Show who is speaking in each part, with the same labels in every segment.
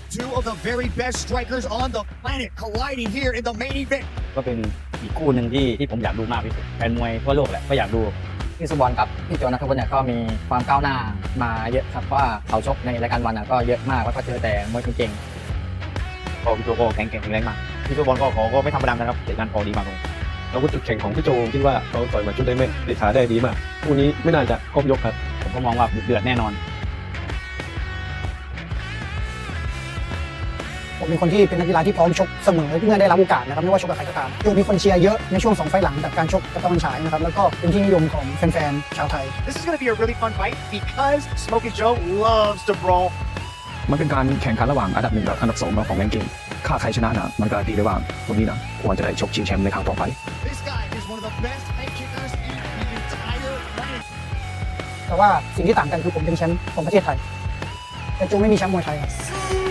Speaker 1: Two of the very best strikers on the planet colliding here in the main event.
Speaker 2: ก็เป็นอีกคู่หนึ่งที่ผมอยากดูมากที่สุดแฟนมวยทั่วโลกแหละก็อยากดูพี่สุบอลกับพี่โจนัทวุฒิเนี่ยก็มีความก้าวหน้ามาเยอะครับว่าเขาชกในรายการวันก็เยอะมากแล้วก็เจอแต่มวยเก่งๆพี่โจก็แข็งแรงมากพี่สุบอลก็ไม่ธรรมดานะครับแต่การดีมากเลย
Speaker 3: อาวุธจุดแข็งของพี่โจคิดว่าเขาต่อยมาชุดได้แม่นติดขาได้ดีมากคู่นี้ไม่น่าจะครบยกครับ
Speaker 2: ผมก็มองว่าเดือดแน่นอน
Speaker 4: ผมเป็นคนที่เป็นนักกีฬาที่พร้อมชกเสมอเมื่อได้รับโอกาสนะครับไม่ว่าชกกับใครก็ตามมีคนเชียร์เยอะในช่วง2 ไฟล์หลังจากการชกกับตะวันฉายนะครับแล้วก็เป็นที่นิยมของแฟนๆชาวไทย
Speaker 1: This is going to be a really fun fight because Smokey Joe loves to brawl.
Speaker 3: มันเป็นการแข่งขันระหว่างอันดับ1กับอันดับ2ของแรงกิ้งค่าใครชนะนะมันการันตีได้ว่าคนนี้นะควรจะได้ชกชิงแชมป์ในครั้งต่อไป
Speaker 1: This guy is one of the best head kickers in the entire planet.
Speaker 4: แต่ว่าสิ่งที่ต่างกันคือผมเป็นแชมป์ของประเทศไทยแต่โจไม่มีแชมป์มวยไทยครับ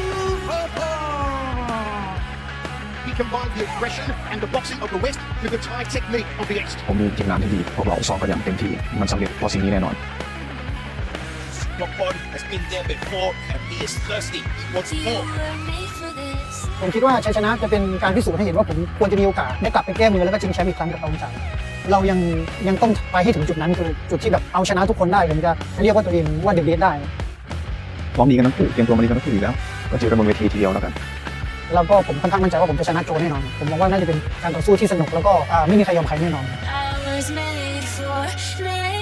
Speaker 1: He combined the aggression and the boxing of the West with the Thai technique of the East.
Speaker 3: ผมมีทีมงานที่ดีพวกเราซ้อมกันอย่างเต็มที่มันสำเร็จเพราะสิ่งนี้แน่นอน
Speaker 1: Smokey has been there before and he is thirsty. He wants more.
Speaker 4: ผมคิดว่าชัยชนะจะเป็นการพิสูจน์ให้เห็นว่าผมควรจะมีโอกาสได้กลับไปแก้มือแล้วก็ชิงแชมป์อีกครั้งกับตะวันฉายเรายังต้องไปให้ถึงจุดนั้นคือจุดที่แบบเอาชนะทุกคนได้ผมจะเรียกว่าตัวเองว่าเดอะเบสได้
Speaker 3: พร้อมดีกันทั้งคู่เตรียมตัวมาดีกันทั้งคู่อยู่แล้วก็เจอกันบนเวทีทีเดียวแล้วกัน
Speaker 4: แล้วก็ผมค่อนข้างมั่นใจว่าผมจะชนะโจแน่นอนผมมองว่าน่าจะเป็นการต่อสู้ที่สนุกแล้วก็ไม่มีใครยอมใครแน่นอน
Speaker 5: I was made for